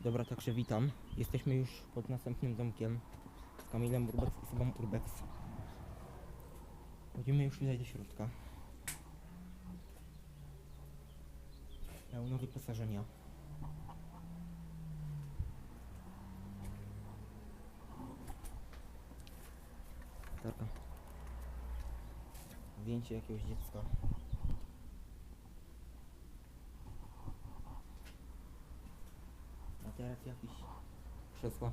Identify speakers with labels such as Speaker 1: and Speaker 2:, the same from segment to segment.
Speaker 1: Dobra, także witam. Jesteśmy już pod następnym domkiem z Kamilem Urbex i Sobą Urbex. Chodzimy już tutaj do środka. Pełno wyposażenia. Taka. Zdjęcie jakiegoś dziecka. Materac jakiś. Krzesła.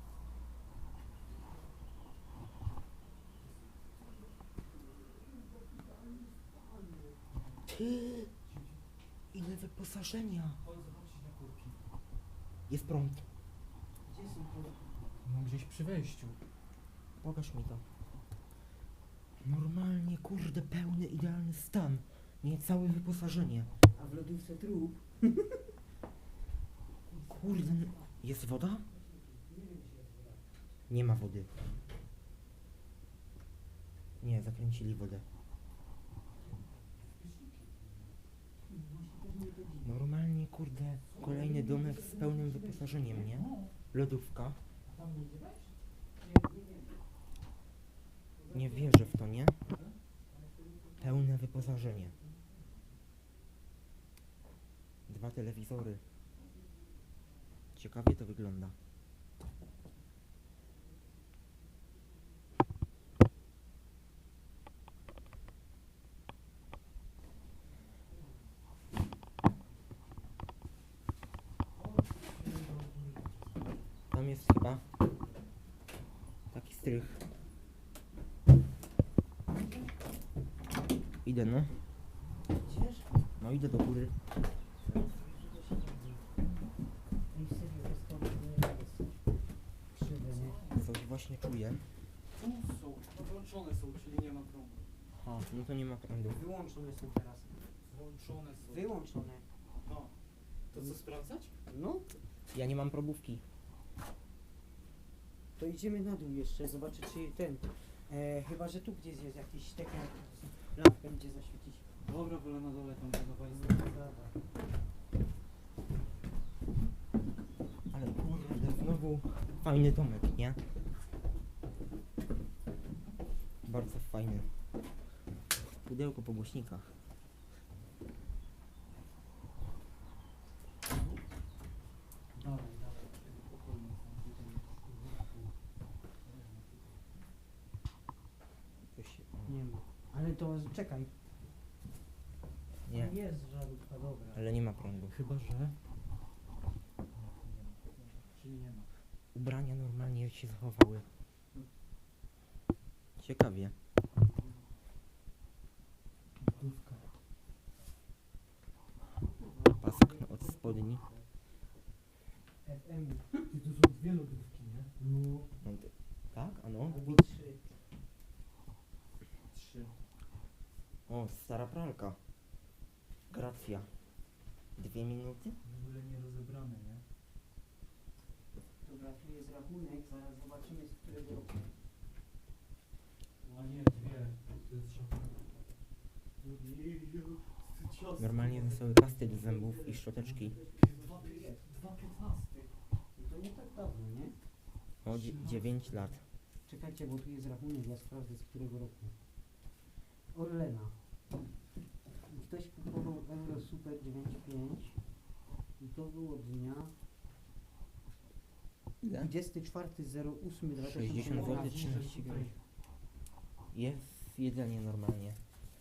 Speaker 1: Ty! Ile wyposażenia!
Speaker 2: Chodź zobaczyć na kurki.
Speaker 1: Jest prąd.
Speaker 2: Gdzie są kurki? No gdzieś przy wejściu.
Speaker 1: Pokaż mi to. Normalnie, kurde, pełny, idealny stan. Nie, całe wyposażenie.
Speaker 3: A w lodówce trup?
Speaker 1: Kurde, jest woda? Nie ma wody. Nie, zakręcili wodę. Normalnie, kurde, kolejny domek z pełnym wyposażeniem, nie? Lodówka.
Speaker 2: Tam nie idzie wejść?
Speaker 1: Nie wierzę w to, nie? Pełne wyposażenie. 2 telewizory. Ciekawie to wygląda. Tam jest chyba taki strych. Idę, no.
Speaker 3: Idziesz?
Speaker 1: No idę do góry.
Speaker 3: Ej, serio, jest to nie jest krzywe, nie?
Speaker 1: Coś właśnie czuję.
Speaker 2: Tu są, podłączone są, czyli nie ma prądu.
Speaker 1: Aha, no to nie ma prądu.
Speaker 3: Wyłączone są teraz.
Speaker 2: Włączone są.
Speaker 3: Wyłączone.
Speaker 2: No. To co, sprawdzać?
Speaker 3: No,
Speaker 1: Ja nie mam probówki.
Speaker 3: to idziemy na dół jeszcze, zobaczyć czy ten... chyba, że tu gdzieś jest jakiś taki lampkę gdzie zaświecić.
Speaker 2: Dobra, wolę na dole tam zadawali.
Speaker 1: Ale kurde, znowu fajny domek, nie? Bardzo fajny. Pudełko po głośnikach.
Speaker 2: Dalej, dalej. Spokojnie.
Speaker 1: Coś się...
Speaker 3: Nie ma. Ale to czekaj.
Speaker 1: Nie,
Speaker 3: Jest żarówka, dobra.
Speaker 1: ale nie ma prądu.
Speaker 2: Chyba, że... Czyli nie ma.
Speaker 1: Ubrania normalnie się zachowały. Ciekawie.
Speaker 2: Lodówka.
Speaker 1: Pasek od spodni.
Speaker 3: FM.
Speaker 2: Ty, tu są dwie lodówki, nie?
Speaker 3: No.
Speaker 1: No, tak? A no?
Speaker 3: Albo 3.
Speaker 2: 3.
Speaker 1: O, stara pralka. Gracja. 2 minuty?
Speaker 2: W ogóle nie rozebrane, nie?
Speaker 3: Dobra, tu jest rachunek, zaraz zobaczymy z którego roku.
Speaker 2: A nie, dwie. To jest szafa.
Speaker 1: Normalnie wesoły pasty do zębów i szczoteczki.
Speaker 2: 2,15.
Speaker 3: To nie tak dawno, nie?
Speaker 1: O, 9 lat.
Speaker 3: Czekajcie, bo tu jest rachunek, ja sprawdzę z którego roku. Orlena. Ktoś kupował Euro Super 9.5 i to było dnia
Speaker 1: Ile?
Speaker 3: 24.08.2018.
Speaker 1: 60 zł, 13 groszy. Jest jedzenie normalnie.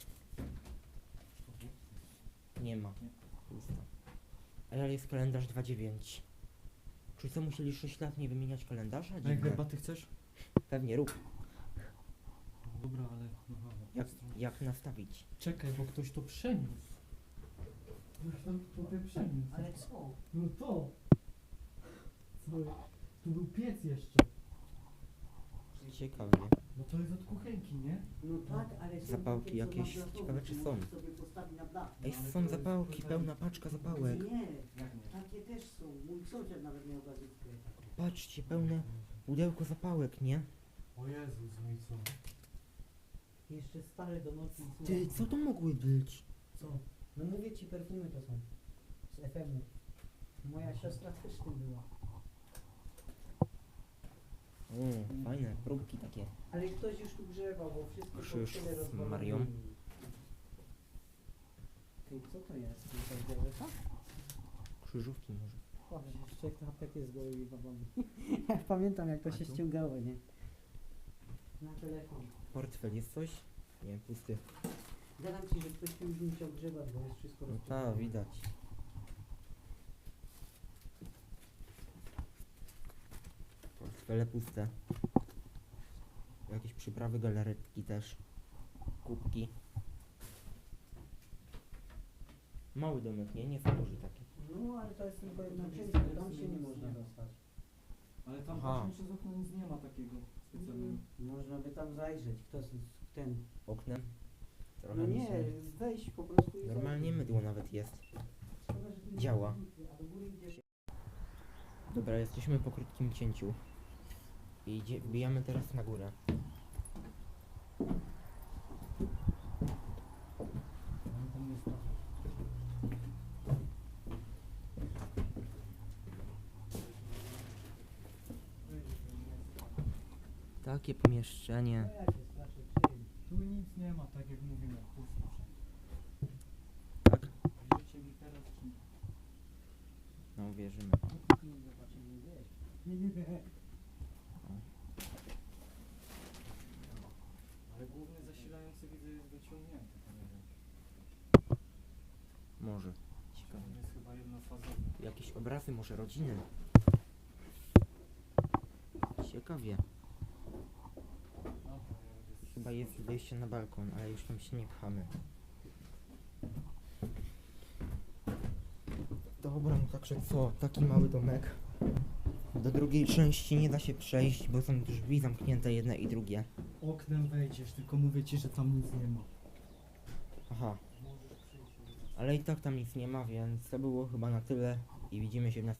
Speaker 1: Nie ma. Pusto. A ja jest kalendarz 2.9. Czy co, musieli 6 lat nie wymieniać kalendarza?
Speaker 2: A jak
Speaker 1: Dziwne.
Speaker 2: herbaty chcesz?
Speaker 1: Pewnie rób.
Speaker 2: Dobra, ale...
Speaker 1: Jak nastawić?
Speaker 2: Czekaj, bo ktoś to przeniósł. Ktoś tam tutaj przeniósł.
Speaker 3: Ale co?
Speaker 2: No to! Co? Tu był piec jeszcze.
Speaker 1: Ciekawie.
Speaker 2: No to jest od kuchenki, nie?
Speaker 3: No tak, ale są
Speaker 1: Zapałki
Speaker 3: takie, co
Speaker 1: jakieś,
Speaker 3: na blachowe,
Speaker 1: ciekawe, czy
Speaker 3: to
Speaker 1: są.
Speaker 3: możesz sobie postawić na blach.
Speaker 1: Ej,
Speaker 2: ale
Speaker 1: są
Speaker 2: to
Speaker 1: zapałki,
Speaker 2: jest
Speaker 1: pełna paczka zapałek.
Speaker 3: Nie,
Speaker 2: Jak nie?
Speaker 3: takie też są. Mój sąsiad nawet miał gazówkę.
Speaker 1: Patrzcie, pełne pudełko zapałek, nie?
Speaker 2: O Jezus, no i co?
Speaker 3: Jeszcze stare do nocy. i
Speaker 1: Ty,
Speaker 3: słowa.
Speaker 1: co to mogły być?
Speaker 3: Co? No mówię ci, perfumy to są. Z FM-u. Moja siostra też tym była.
Speaker 1: Fajne, próbki takie.
Speaker 3: Ale ktoś już tu grzebał, bo wszystko
Speaker 1: Krzyż
Speaker 3: po tyle
Speaker 1: z
Speaker 3: rozwalone.
Speaker 1: Marią.
Speaker 3: Ty, co to jest? To jest białeka?
Speaker 1: Krzyżówki może.
Speaker 3: Boże, jeszcze jak to apteki z gołymi babami. Ja pamiętam jak to
Speaker 1: A
Speaker 3: się
Speaker 1: tu?
Speaker 3: ściągało, nie? Na telefon.
Speaker 1: Portfel jest coś? Nie, pusty.
Speaker 3: Gadam ci, że ktoś tu już musiał grzebać, bo jest wszystko
Speaker 1: No
Speaker 3: rozwalone.
Speaker 1: tak, widać. Portfele puste. Jakieś przyprawy, galaretki też. Kubki. Mały domek, nie za duży taki.
Speaker 3: No, ale to jest tylko jedna część, bo tam się nie można dostać.
Speaker 2: Ale tam
Speaker 1: Aha.
Speaker 2: właśnie przez okno nic nie ma takiego specjalnego.
Speaker 3: Można by tam zajrzeć, kto ten...
Speaker 1: Oknem.
Speaker 3: No
Speaker 1: Trochę mi
Speaker 3: nie,
Speaker 1: się...
Speaker 3: wejść po prostu i
Speaker 1: Normalnie
Speaker 3: zajrzeć.
Speaker 1: mydło nawet jest.
Speaker 3: Szkoda, że tu nie
Speaker 1: Działa.
Speaker 3: ma piwnicy, a do góry idziesz.
Speaker 1: Dobra, jesteśmy po krótkim cięciu. I wbijamy teraz na górę.
Speaker 3: Tam jest to.
Speaker 1: Takie pomieszczenie.
Speaker 3: No ja się straszę, przyjemnie.
Speaker 2: Tu nic nie ma, tak jak mówiłem, pusto wszędzie.
Speaker 1: Tak?
Speaker 2: Wierzycie mi teraz, czy nie?
Speaker 1: No wierzymy.
Speaker 3: Zobaczymy, wiesz.
Speaker 2: Ale główny zasilający widzę jest wyciągnięty, to nie wiem.
Speaker 1: Może. Ciekawe.
Speaker 2: On jest chyba jednofazowy.
Speaker 1: Tu jakieś obrazy, może rodziny. Ciekawie.
Speaker 2: Dobra, ja będę
Speaker 1: Chyba jest wyjście na balkon, ale już tam się nie pchamy. Dobra, no także co? Taki mały domek. Do drugiej części nie da się przejść, bo są drzwi zamknięte jedne i drugie.
Speaker 2: Oknem wejdziesz, tylko mówię ci, że tam nic nie ma.
Speaker 1: Aha,
Speaker 2: Możesz przyjść.
Speaker 1: ale i tak tam nic nie ma, więc to było chyba na tyle i widzimy się w następnym.